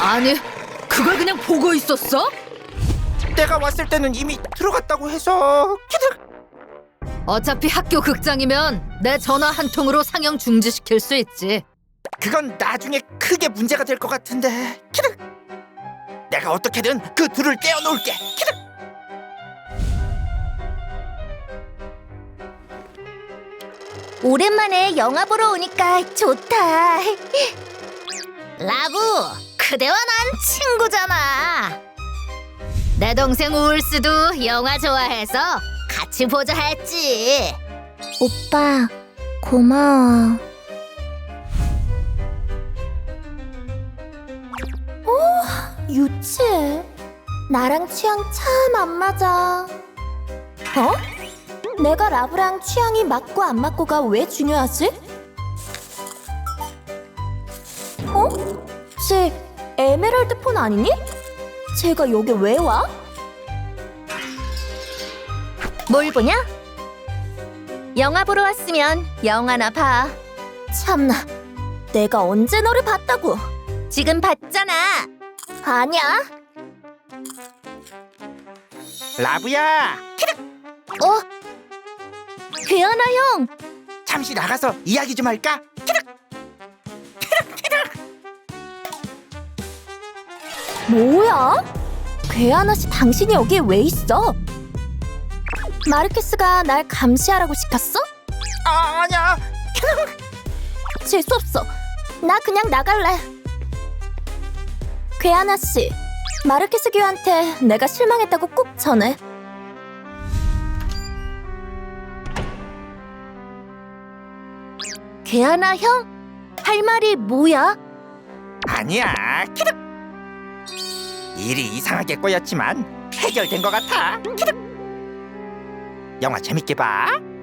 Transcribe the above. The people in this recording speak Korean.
아니, 그걸 그냥 보고 있었어? 내가 왔을 때는 이미 들어갔다고 해서. 어차피 학교 극장이면 내 전화 한 통으로 상영 중지시킬 수 있지. 그건 나중에 크게 문제가 될 것 같은데. 내가 어떻게든 그 둘을 떼어놓을게. 오랜만에 영화 보러 오니까 좋다. 라부, 그대와 난 친구잖아. 내 동생 우울스도 영화 좋아해서 같이 보자 했지. 오빠, 고마워. 유치해. 나랑 취향 참 안 맞아. 내가 라브랑 취향이 맞고 안 맞고가 왜 중요하지? 쟤 에메랄드 폰 아니니? 쟤가 여기 왜 와? 뭘 보냐? 영화 보러 왔으면 영화나 봐. 참나, 내가 언제 너를 봤다고? 지금 봤잖아. 아니야. 라부야, 괴하나 형. 잠시 나가서 이야기 좀 할까? 뭐야? 괴하나 씨, 당신이 여기에 왜 있어? 마르케스가 날 감시하라고 시켰어? 아니야. 재수없어. 나 그냥 나갈래. 괴하나 씨, 마르케스 교한테 내가 실망했다고 꼭 전해. 괴하나 형? 할 말이 뭐야? 아니야. 일이 이상하게 꼬였지만 해결된 것 같아. 영화 재밌게 봐.